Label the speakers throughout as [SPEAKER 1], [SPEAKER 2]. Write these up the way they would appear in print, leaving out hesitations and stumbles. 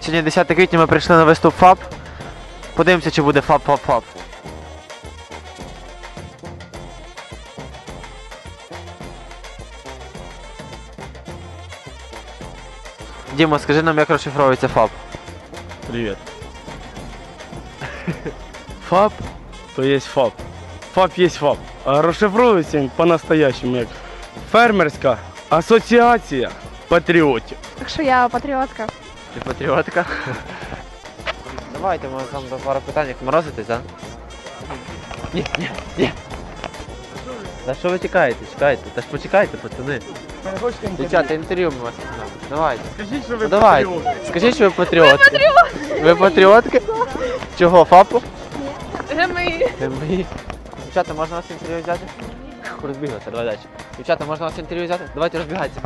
[SPEAKER 1] Сьогодні 10 квітня, ми прийшли на виступ ФАП. Подивимося, чи буде ФАП. Діма, скажи нам, як розшифровується ФАП.
[SPEAKER 2] Привет. ФАП, то есть ФАП. ФАП есть ФАП. А розшифровується він по-настоящему як фермерська асоціація патріотів.
[SPEAKER 3] Так що я патріотка.
[SPEAKER 1] Ти патріотка? Давайте, ми там до пару питань, як морозитесь, так? Ні. Та що ви чекаєте? Та ж почекайте, пацани. Дівчата, інтерв'ю ми вас візьмемо. Давайте.
[SPEAKER 2] Скажіть, що ви
[SPEAKER 1] Давайте.
[SPEAKER 2] патріоти.
[SPEAKER 1] Скажіть, що ви патріотки. Ви патріотки? Чого, ФАПу? ГМІ. Дівчата, можна вас інтерв'ю взяти? Розбіглася, давай далі. Дівчата, можна вас інтерв'ю взяти? Давайте розбігайтеся.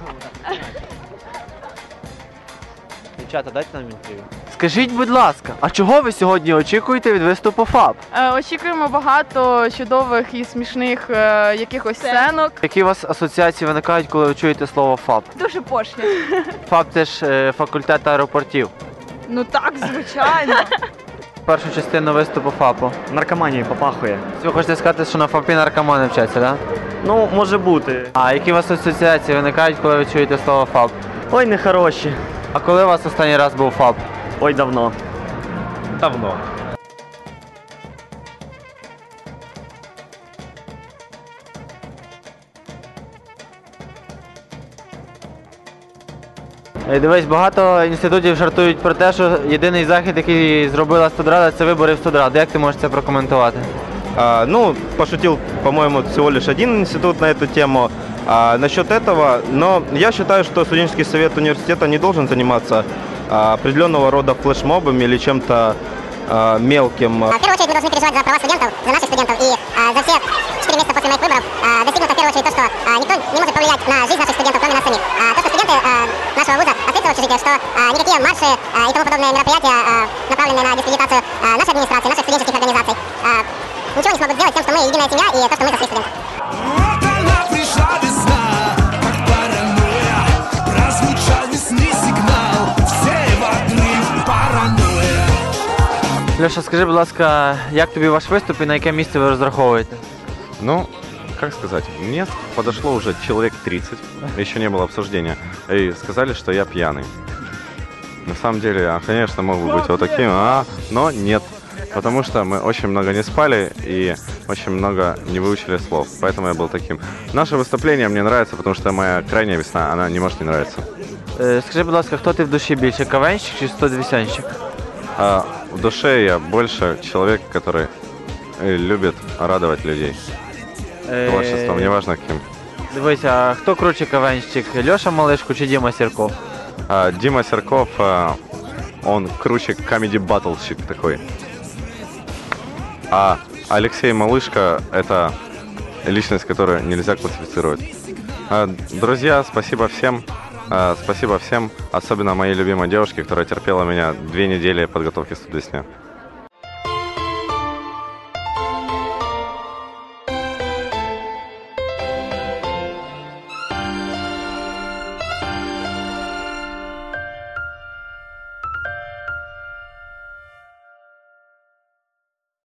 [SPEAKER 1] Дівчата, дайте нам інтерв'ю. Скажіть, будь ласка, а чого ви сьогодні очікуєте від виступу ФАП?
[SPEAKER 3] Очікуємо багато чудових і смішних якихось сценок.
[SPEAKER 1] Які у вас асоціації виникають, коли ви чуєте слово ФАП?
[SPEAKER 3] Дуже пошлі.
[SPEAKER 1] ФАП – це ж факультет аеропортів.
[SPEAKER 3] Ну так, звичайно.
[SPEAKER 1] Першу частину виступу ФАПу.
[SPEAKER 4] Наркоманії попахує.
[SPEAKER 1] Ви хочете сказати, що на ФАПі наркомани вчаться, так?
[SPEAKER 4] Ну, може бути.
[SPEAKER 1] А які у вас асоціації виникають, коли ви чуєте слово ФАП?
[SPEAKER 4] Ой, нехороші.
[SPEAKER 1] А коли у вас останній раз був ФАП?
[SPEAKER 4] Ой, давно.
[SPEAKER 2] Давно.
[SPEAKER 1] Дивись, багато інститутів жартують про те, що єдиний захід, який зробила студрада, це вибори в студраду. Як ти можеш це прокоментувати?
[SPEAKER 5] Ну, пошутил, по-моему, всего лишь один институт на эту тему. Насчет этого, но я считаю, что студенческий совет университета не должен заниматься определенного рода флешмобами или чем-то мелким.
[SPEAKER 6] В первую очередь мы должны переживать за права студентов, за наших студентов. И за все 4 месяца после моих выборов достигнуто в первую очередь то, что никто не может повлиять на жизнь наших студентов, кроме нас самих. То, что студенты нашего вуза открыты в общежитиях, что никакие марши и тому подобные мероприятия, направленные на дискредитацию нашей администрации, наших студенческих организаций, ничего не смогут сделать тем, что мы единая семья и то, что мы за своих студентов.
[SPEAKER 1] Леша, скажи, будь ласка, як тобі ваш виступ і на яке місце ви розраховуєте?
[SPEAKER 7] Ну, как сказать, мне подошло уже человек 30, еще не было обсуждения, и сказали, что я пьяный. На самом деле, я, конечно, мог бы быть вот таким, но нет. Потому что мы очень много не спали и очень много не выучили слов, поэтому я был таким. Наше выступление мне нравится, потому что моя крайняя весна, она не может не нравиться.
[SPEAKER 1] Скажи, будь ласка, хто ти в душі більше, КВНщик чи студвісянщик?
[SPEAKER 7] В душе я больше человек, который любит радовать людей. Творчеством, неважно кем.
[SPEAKER 1] Дивись, а хто круче КВНщик, Льоша Малишко чи Діма Сірков?
[SPEAKER 7] Дима Серков, он круче комеди-баттлщик такой. А Алексей Малышко – это личность, которую нельзя классифицировать. Друзья, спасибо всем. Спасибо всем, особенно моей любимой девушке, которая терпела меня 2 недели подготовки к студвесне.